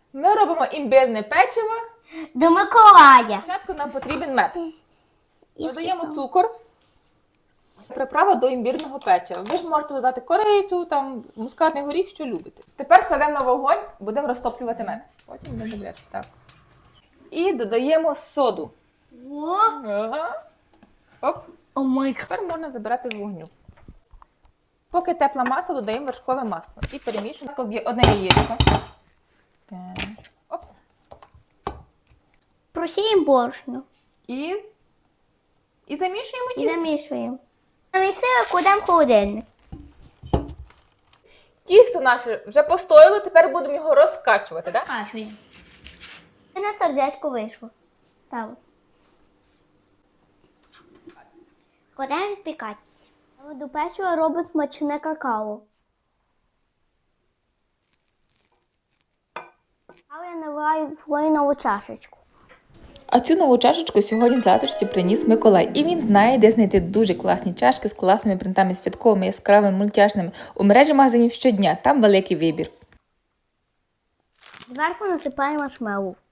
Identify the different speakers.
Speaker 1: Ми робимо імбирне печиво.
Speaker 2: До Миколая.
Speaker 1: Спочатку нам потрібен мед. Додаємо цукор. Приправа до імбірного печива. Ви ж можете додати корицю, там, мускатний горіх, що любите. Тепер кладемо на вогонь, будемо розтоплювати мед. Потім будемо додати. Так. І додаємо соду. Ага. Оп.
Speaker 2: О май.
Speaker 1: Тепер можна забирати з вогню. Поки тепла маса, додаємо вершкове масло. І перемішуємо одне яєчко. Так. Оп.
Speaker 2: Просіємо борошно.
Speaker 1: І замішуємо
Speaker 2: І
Speaker 1: тісто.
Speaker 2: замішуємо. Замісили, кладемо в холодильник.
Speaker 1: Тісто наше вже постояло, тепер будемо його розкачувати, так?
Speaker 2: Кашуємо. І на сердечко вийшло. Ставимо. Кладемо відпікатися. До печива робить смачне какао. А я наливаю свою нову чашечку.
Speaker 1: А цю нову чашечку сьогодні з латочці приніс Миколай. І він знає, де знайти дуже класні чашки з класними принтами, святковими, яскравими, мультяшними. У мережі магазинів щодня, там великий вибір.
Speaker 2: Зверху насипаємо маршмеллоу.